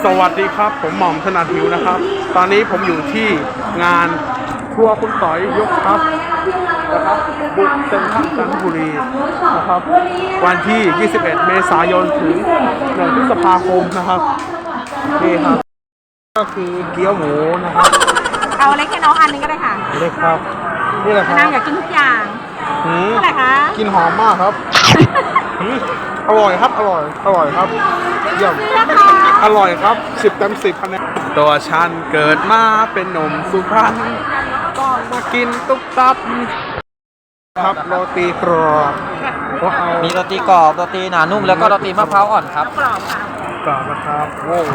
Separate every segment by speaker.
Speaker 1: สวัสดีครับผมหม่อมถนัดหิวนะครับ ตอนนี้ผมอยู่ที่งานทัวร์คุณต่อยยกทัพนะครับบุกเซ็นทรัลจันทบุรีนะครับวันที่ 21 เมษายนถึง 1 พฤษภาคมนะครับนี่ครับก็คือเกี๊ยวหมูนะครับ
Speaker 2: เอาเล็กแค่น้องอันนึงก็ได้ค่ะ
Speaker 1: เล็กครับนี่แหละครับ
Speaker 2: นางอยากกินทุกอย่างเท่าไหร่คะ
Speaker 1: กินหอมมากครับอร่อยครับอร่อยครับเยี่ยมอร่อยครับ10 เต็ม 10คะแนนตัวฉันเกิดมาเป็นหนุ่มสุพรรณต้องมากินตุ๊กตับครับโรตีกรอบก็เอา
Speaker 3: มีโรตีกรอบโรตีหนานุ่มแล้วก็โรตีมะพร้าวอ่อนครับ
Speaker 2: กรอบค่ะ
Speaker 1: กรอบนะครับโว้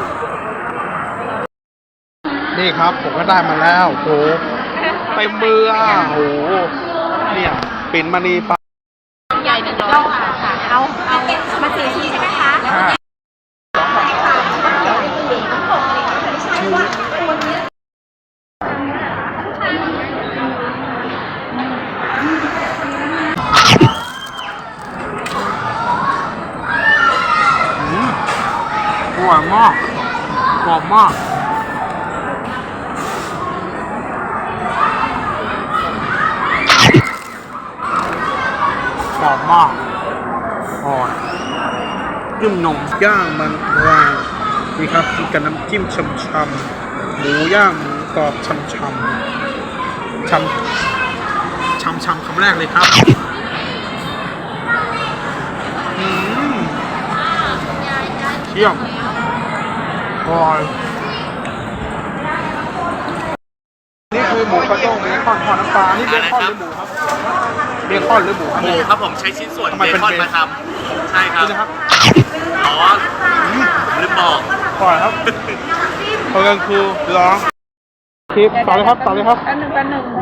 Speaker 1: นี่ครับผมก็ได้มาแล้วโหเต็มมือโหเนี่ยปิ่นมณีปลา
Speaker 2: ใหญ่100 บาทค่ะเอามา4 ชิ้นใช่ไหมคะ
Speaker 1: อร่อยมากกรอบมากกรอบมากอร่อยจิ้มนมย่างมันวางนี่ครับกินกับน้ำจิ้มช่ำๆหมูย่างหมูกรอบช่ำคำแรกเลยครับเที่ยมอร่อยนี่คือหมูกระด้งเบคอนทอดน้ำปลานี่เบคอนหรือหมูครับเบคอนหรือหมูครับ
Speaker 4: หมูครับผมใช้ชิ้นส่วน
Speaker 1: ทำไม
Speaker 4: เบ
Speaker 1: เป็น
Speaker 4: คอน
Speaker 1: เบคอน
Speaker 4: มาทำใช่ครับ
Speaker 1: นี่นะครับ
Speaker 4: อ๋อลืมบอก
Speaker 1: อร่อยครับเพราะงั้นคือร้องคลิปต่อเลยครับต่อเลยครับ
Speaker 2: อันหนึ่ง
Speaker 1: หนึ่ง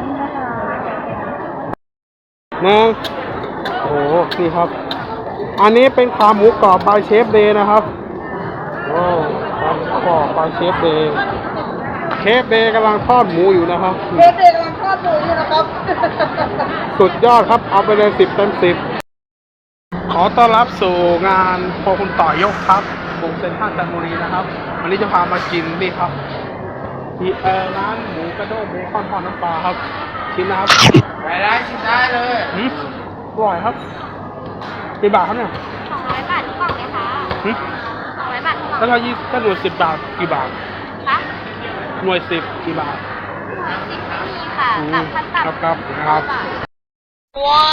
Speaker 1: โอ้โหนี่ครับอันนี้เป็นขาหมูกรอบบายเชฟเดย์นะครับโอ้ขาหมูกรอบบายเชฟเดย์เชฟเดย์กำลังทอดหมูอยู่นะครับ
Speaker 2: เด็กๆกำลังทอดหมูอยู่นะครับ
Speaker 1: สุดยอดครับเอาไปเลย10 เต็ม 10ขอต้อนรับสู่งานพอคุณต่อยกครับบุกเซ็นทรัลจันทบุรีนะครับวันนี้จะพามากินนี่ครับที่ร้านหมูกระด้งเบคอนทอดน้ำปลาครับชิมนะครับ
Speaker 4: ได้ชิมได้เลย
Speaker 1: อร่อยครับกี่บาทครับเนี่ย
Speaker 2: 200 บาททุกกล่องเลยค่ะ200 บาททุกกล่อง
Speaker 1: แล้วถ้าหน่วย10 บาทกี่บาท
Speaker 2: คะ
Speaker 1: หน่วย10กี่บาท
Speaker 2: 10ไม่มีค่ะกับขั้นต่ำ
Speaker 1: ครับ
Speaker 2: ว้าว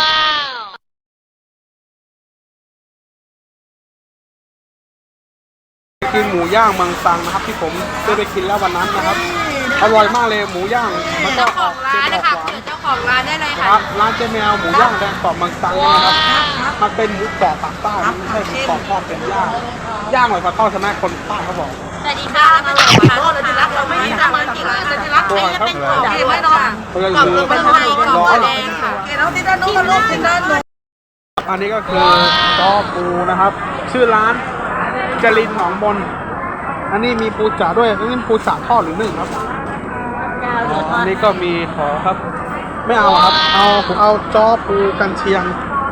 Speaker 1: กินหมูย่างเมืองซังนะครับที่ผมได้ไปกินแล้ววันนั้นนะครับอร่อยมากเลยหมูย่างมันก็
Speaker 2: เจ้าของร้านนะคะ
Speaker 1: เค็มออกหวาน
Speaker 2: เจ้าของร้านได้เลย
Speaker 1: ค
Speaker 2: ค่ะ
Speaker 1: รับร้านเจ๊แมวหมูย่างแดงกรอบเมืองซังนะครับมันเป็นหมูกรอบปากใต้ไม่ใช่หมูกรอบทอดเป็นย่างอร่อยกว่าทอดใช่ไหมคนใต้เขาบอก
Speaker 2: สวัสดีค่ะมาเลยค่ะเราจะรักเราไม่มีประมาณกี่ร้านจะรักไม่ได้เป็นของที่ไม่นอน
Speaker 1: ก็คือ
Speaker 2: เป็นไทยกรอบแดงค่ะเกล้าที่ด้านนู้นลูกที่ด้านนู้น
Speaker 1: อันนี้ก็คือจอปูนะครับ ชื่อร้านจรินหนองมนอันนี้มีปูจ๋าด้วยอันนี้ปูจ๋าทอดหรือนึ่งครับอันนี้ก็มีขอครับ ไม่เอาครับผมเอาจอปูกันเชียง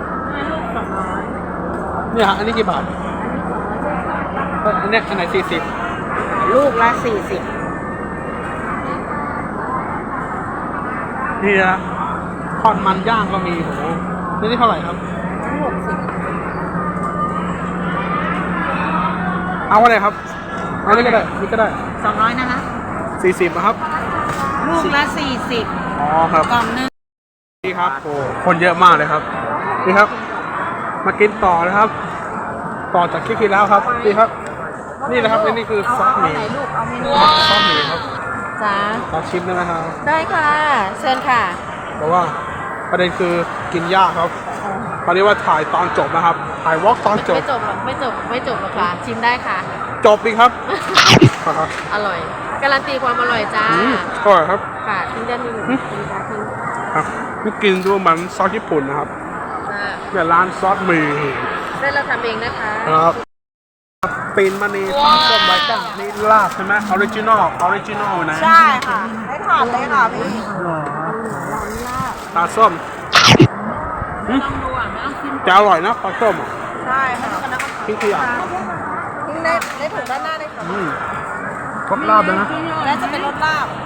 Speaker 1: เนี่ยฮะอันนี้กี่บาทอันนี้อันไหน40
Speaker 2: ลูกละ40
Speaker 1: นี่นะทอดมันย่างก็มีโหนี่เท่าไหร่ครับเอาอะไรครับเอานี่ก็ได้นี่ก็ได้
Speaker 2: 200นะคะ
Speaker 1: 40นะครับ
Speaker 2: ลูกละ40
Speaker 1: อ๋อครับ
Speaker 2: กล่องนึง
Speaker 1: นี่ครับโอ้คนเยอะมากเลยครับนี่ครับ มากินต่อนะครับ ต่อจากคลิปที่แล้วครับนี่ครับ นี่นะครับนี่คือซอสหมี่
Speaker 2: ลูกเอาเมนู
Speaker 1: ซอสหมี่ครับ
Speaker 2: จ้า
Speaker 1: ขอชิมได้ไหมครับ
Speaker 2: ได้ค่ะเชิญค่ะ
Speaker 1: เพราะว่าประเด็นคือกินยากครับตอนนี้ว่าถ่ายตอนจบนะครับถ่ายวอล์กตอนจบ
Speaker 2: ไม่จบหรอกไม่จบหรอกค่ะชิมได้ค่ะ
Speaker 1: จบดีครับครับ
Speaker 2: อร่อยการันตีความอร่อยจ้า
Speaker 1: อร่อยครับ
Speaker 2: ค่ะทิ้งด้านนี้เลยทิ้งด้านนี้
Speaker 1: ครับนี่กินดูเหมือนซอสญี่ปุ่นนะครับ
Speaker 2: จ้า
Speaker 1: เนี่ยร้านซอสหมี่
Speaker 2: ได้เราทำเองนะคะ
Speaker 1: ครับปีนมณีปลาส้มไร้ก้างนี่ลาบใช่ไหมออริจินอลนะ
Speaker 2: ใช่ค่ะได้ถาดเลยค่ะพี่
Speaker 1: ปลาส้ม
Speaker 2: ลองดูอ่ะไม่ต้องชิม
Speaker 1: จะอร่อยนะปลาส้มอ่ะ
Speaker 2: ใช่ค่ะ
Speaker 1: ทิ้งขยะ
Speaker 2: ทิ้งในถุงด้านหน้าได้ค่ะ
Speaker 1: ครบรอบแล้วนะ
Speaker 2: แล้วจะเป็นรสลาบ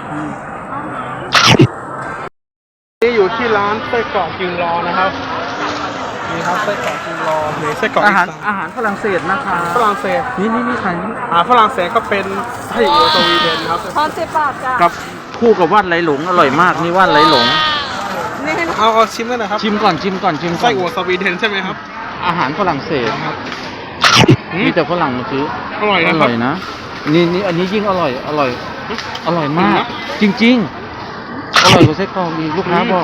Speaker 1: นี่อยู่ที่ร้านไส้กรอกยืนรอนะครับนี่ครับไส้กรอกยืนรอนี่ไส้กรอก
Speaker 3: อาหาร
Speaker 1: อีสน
Speaker 3: อาหารฝรั่งเศสนะคะ
Speaker 1: ฝรั่งเศส
Speaker 3: นี่ใคร
Speaker 1: ฝรั่งเศสก็เป็นไส้อัวสวีเดนครับ
Speaker 2: ทอน10 บาทจ้ะ
Speaker 3: กับคู่กับว่านไหลหลงอร่อยมากนี่ว่านไหลหลง
Speaker 1: เอาชิมกันหนะครับ
Speaker 3: ชิมก่อนชิมก่อนชิมก่
Speaker 1: ไส้
Speaker 3: อน
Speaker 1: อัวสวีเดนใช่ไหมครับ
Speaker 3: อาหารฝรั่งเศส
Speaker 1: อืม
Speaker 3: มีแต่ฝรั่งมาซื้อ
Speaker 1: อร่อย
Speaker 3: อ
Speaker 1: นะค
Speaker 3: ร่
Speaker 1: รับ
Speaker 3: อยนะนี่อันนี้ยิ่งอร่อยอร่อยมาก จริงๆ อร่อยกว่าไส้กรอกอีกลูกค้าบอก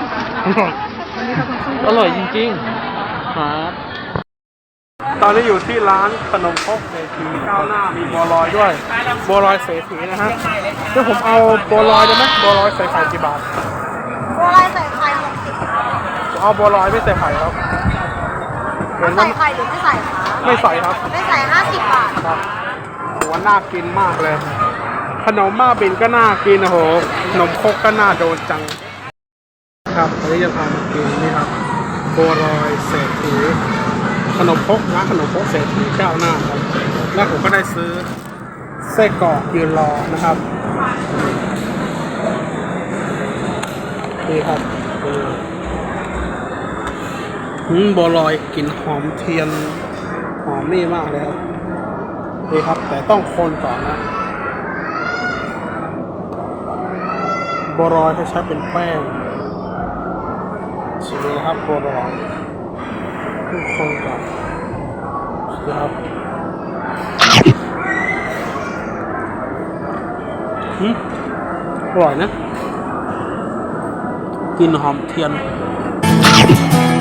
Speaker 3: อร่อยจริงๆครับ
Speaker 1: ตอนนี้อยู่ที่ร้านขนมครกเศรษฐีก้าวหน้ามีบัวลอยด้วยบัวลอยเศรษฐีนะฮะเดี๋ยวผมเอาบัวลอยได้ไหมบัวลอยใส่ไข่กี่บาท
Speaker 2: บัวลอยใส่ไข่60
Speaker 1: ผมเอาบัวลอยไม่ใส่ไข่ครับเป็น
Speaker 2: ใส่
Speaker 1: ว่า
Speaker 2: ไข่หรือไม่ใส่คะ
Speaker 1: ไม่ใส่ครับ
Speaker 2: ไม่ใส่50 บาท
Speaker 1: ครับโหน่ากินมากเลย ขนมบ้าบินก็น่ากินโอ้โหขนมครกก็น่าโดนจังครับวันนี้จะพามากินนี่ครับบัวลอยเศรษฐีขนมครกร้านขนมครกเศรษฐีก้าวหน้าครับแล้วผมก็ได้ซื้อไส้กรอกยืนรอนะครับนี่ครับบัวลอยกลิ่นหอมเทียนหอมนี่มากเลยครับนี่ครับแต่ต้องคนก่อนนะบัวลอยเขาใช้เป็นแป้งชิมเลยครับบัวลอยทุกคนก่อนนะครับอร่อยนะกลิ่นหอมเทียน